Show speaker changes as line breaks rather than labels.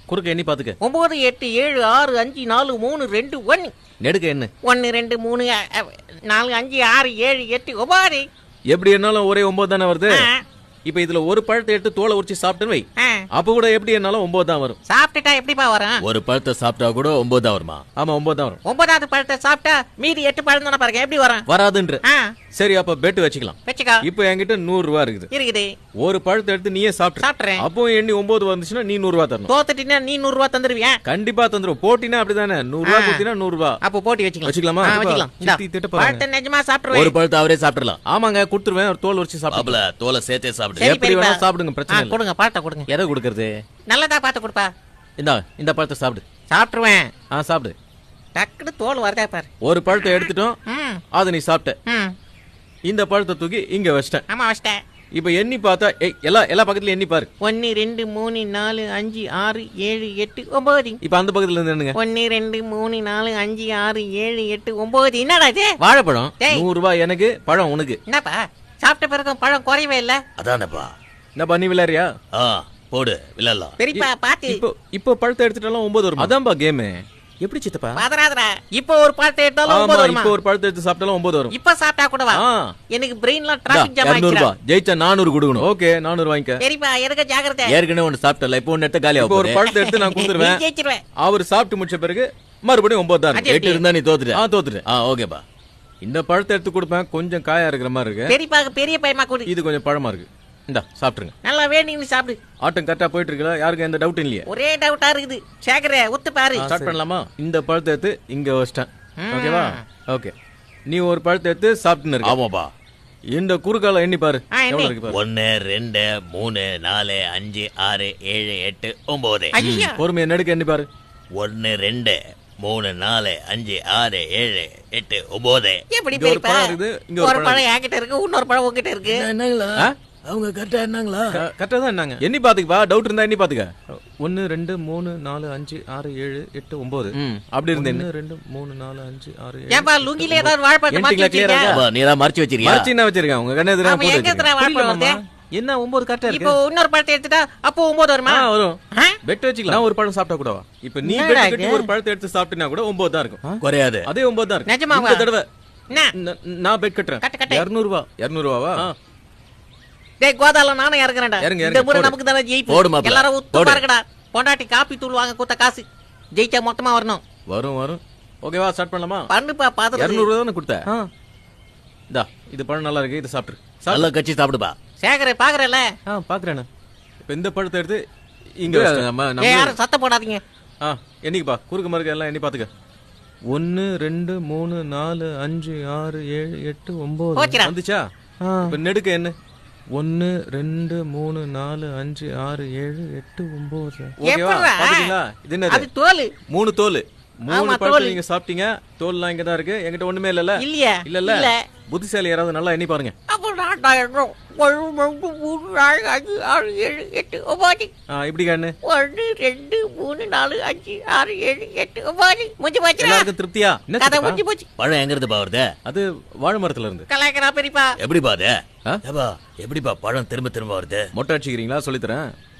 குறுக்க எண்ணி பாத்துக்க.
9 8 7 6 5 4 3 2 1.
நெடுக்க என்ன?
1 2 3 4 5 6 7 8 9.
எப்படி என்னாலும் ஒரே 9 தானே வருது. இப்ப இதுல ஒரு பழத்தை எடுத்து தோலை உரிச்சு சாப்பிட்டுன்னு வை. அப்ப கூட எப்படி என்னாலும் 9 தான் வரும்.
சாப்பிட்டுட்டா எப்படிப்பா வரும்?
ஒரு பழத்தை சாப்பிட்டா கூட 9 தான் வருமா?
ஆமா 9 தான் வரும்.
9வது பழத்தை சாப்பிட்டா மீதி 8 பழம் தானே பாருங்க, எப்படி வரும்?
வராதுன்ற. சரி அப்ப பெட் வச்சுக்கலாம்.
வச்சுக்கோ.
இப்ப என்கிட்ட 100 ரூபா இருக்குது. ஒரு பழத்தை எடுத்து நீயே
சாப்பிட்டுறேன்.
அப்போ எண்ணி 9 வந்துச்சுன்னா நீ 100 ரூபா தரணும்.
தோத்துட்டீங்கன்னா நீ 100 ரூபா தந்துருவியா?
கண்டிப்பா தந்துரும். போட்டினா அப்படிதானே 100 ரூபா கொடுத்தீனா 100 ரூபா.
அப்போ போட்டி வச்சுக்கலாமா?
வச்சுக்கலாம்.
பழத்தை நிஜமா சாப்பிடுவேன்.
ஒரு பழத்தை அவரே சாப்பிடலாம்.
ஆமாங்க கொடுத்துருவேன். ஒரு தோல் உரிச்சு சாப்பிடல.
தோலை சேர்த்தே சாப்பிடு.
எப்படி வேணா சாப்பிடுங்க, பிரச்சனை இல்ல.
கொடுங்க பழத்தை கொடுங்க.
எதை கொடுக்கறது?
நல்லதா பார்த்து கொடுப்பா.
இந்த பழத்தை சாப்பிடு.
சாப்பிட்டுருவேன்.
சாப்பிடு.
டக்குனு தோல் வரதா பாரு.
ஒரு பழத்தை எடுத்துட்டோம், அதை நீ சாப்பிட்ட. இந்த பழத்தை தூக்கி இங்க வச்சிட்டேன்.
ஆமா வச்சிட்டேன்.
இப்ப எண்ணி பார்த்தா எல்லா பக்கத்துல எண்ணி பாரு.
1 2 3 4 5 6 7 8 9.
இப்ப அந்த பக்கத்துல இருந்து என்னங்க?
1 2 3 4 5 6 7 8 9. என்னடா இது?
வாழைப்பழம். 100 ரூபாய் எனக்கு, பழம் உனக்கு.
என்னப்பா சாப்பிட்ட பிறகு பழம் குறையவே இல்ல.
அதானப்பா.
என்னப்பா நீ விளையாடுறியா?
போடு விளையாடலாம்.
பெரியப்பா பாத்து.
இப்போ பழத்தை எடுத்துட்டாலும் 9 வரும். அதான்பா கேம். எப்படி சித்தப்பா?
பாதராதரா. இப்போ ஒரு பழத்தை எடுத்தாலும் 9 வரும்.
இப்போ ஒரு பழத்தை எடுத்து சாப்பிட்டாலும் 9 வரும்.
இப்ப சாப்பிட்டா கூட வா. எனக்கு பிரெயின்ல டிராபிக் ஜாம் ஆயிடுச்சு.
200 ரூபாய் ஜெயிச்சா 400 கொடுக்கணும். ஓகே 400 வாங்கிக்க.
பெரியப்பா எனக்கு ஜாக்கிரதை.
ஏற்கனவே ஒன்னு சாப்பிட்டல, இப்போ ஒன்னு எடுத்து காலியா.
இப்போ ஒரு பழத்தை எடுத்து நான் கொடுத்துருவேன்.
ஜெயிச்சிடுவேன்.
அவர் சாப்பிட்டு முடிச்ச பிறகு மறுபடியும் 9 தான்.
8 இருந்தா நீ தோத்துட்ட.
தோத்துட்டேன்.
ஓகேப்பா.
இந்த பழத்தை எடுத்து கொடுப்பேன். கொஞ்சம் காயா இருக்கிற மாதிரி இருக்கு.
பெரியப்பா பெரிய பையமா கொடு.
இது கொஞ்சம் பழமா இருக்கு. இந்தா சாப்பிட்டுருங்க.
நல்லா வேணும்னு சாப்பிடு.
ஆட்டம் கரெக்டா போயிட்டு இருக்குல்ல? யாருக்கு எந்த டவுட் இல்லையா?
ஒரே டவுட்டா இருக்குது. சேகரே ஒத்து பாரு.
ஸ்டார்ட் பண்ணலாமா? இந்த பழத்தை எடுத்து இங்க வச்சிட்டேன். ஓகேவா? ஓகே. நீ ஒரு பழத்தை எடுத்து சாப்பிட்டுன்னு இருக்க.
ஆமாப்பா.
இந்த குறுக்கால எண்ணி பாரு. எவ்வளவு இருக்கு பாரு.
1 2 3 4 5 6 7 8 9.
பொறுமையா நெடுக்க எண்ணி பாரு.
1 2 3 4 5 6 7 8 9.
எப்படி
ஒரு பழம் இருக்குது, இங்க
ஒரு பழம் என்கிட்ட இருக்கு, இன்னொரு பழம் உங்ககிட்ட இருக்கு.
என்னங்களா? அவங்க கரெக்டா என்னங்களா?
கரெக்டா தான் என்னங்க? எண்ணி பாத்துக்கப்பா. டவுட் இருந்தா எண்ணி பாத்துக்க. 1 2 3 4 5 6 7 8 9. அப்படி இருந்தே 1 2 3 4 5 6 7.
ஏப்பா லுங்கில ஏதாவது வாழைப்பழம் மாத்தி வச்சிருக்கியா?
நீ தான் மறைச்சு வச்சிருக்கியா?
மறைச்சு என்ன வச்சிருக்கேன்? உங்க கண்ணே எதிரா போட்டு
எங்கத்துல வாழைப்பழம்
என்ன 9 கரெக்டா இருக்கு.
இப்போ இன்னொரு பழத்தை எடுத்துட்டா அப்போ 9 வருமா?
வரும். பெட் வச்சுக்கலாம். நான் ஒரு பழம் சாப்பிட்டா கூடவா? இப்போ நீ பெட் கட்டி ஒரு பழத்தை எடுத்து சாப்பிட்டினா கூட 9 தான் இருக்கும்.
குறையாது.
அதே 9 தான் இருக்கு.
நிஜமாவா?
இந்த தடவை நான் பெட் கட்டுறேன். 200 ரூபாய். 200 ரூபாவா?
டேய் கோதால நானே இறங்குறேன்டா. இந்த முறை நமக்கு தான ஜெயிப்பு. எல்லாரும் உத்து பாருங்கடா. பொண்டாட்டி காப்பி தூள் வாங்க கொடுத்த காசு ஜெயிச்சா மொத்தமா வரணும்.
வரும். ஓகேவா? ஸ்டார்ட் பண்ணலாமா?
பண்ணுப்பா பாத்து.
200 ரூபாய் தான கொடுத்த. இந்தா இது பழம் நல்லா இருக்கு. இத சாப்பிடு.
நல்லா கச்சி சாப்பிடுப்பா.
சேகரே பாக்குறல?
பாக்குறேன். இப்போ இந்த பழத்தை எடுத்து இங்க நம்ம
யாரும் சத்தம் போடாதீங்க.
என்னைக்குப்பா குறுக்கு மறுக்க எல்லாம் எண்ணி பாத்துக்க. 1 2 3 4 5 6 7 8 9 வந்துச்சா? இப்ப நெடுக்க என்ன? 1 2 3 4 5 6 7 8 9. ஓகேவா? பாத்தீங்களா? இது என்னது?
அது தோல்.
3 தோல். 3 பழத்தை நீங்க சாப்பிட்டீங்க. தோல்லாம் இங்க தான் இருக்கு. என்கிட்ட ஒண்ணுமே இல்லல. இல்ல. புத்திசாலி யாராவது நல்லா எண்ணி பாருங்க.
அப்ப நான் 1 2 3 4 5 6 7 8 9.
இப்படி கண்ணு.
1 2 3 4 5 6 7 8 9. முடிஞ்சு போச்சு.
எல்லாருக்கும் திருப்தியா?
கதை முடிஞ்சு போச்சு.
பழம் எங்க இருந்து வருது?
அது வாழை மரத்துல இருந்து.
கலாய்க்கறா பெரியப்பா.
எப்படிப்பா அது? எப்படிப்பா பழம் திரும்ப வருது?
மொட்டை அடிச்சுக்கிறீங்களா? சொல்லித்தரேன்.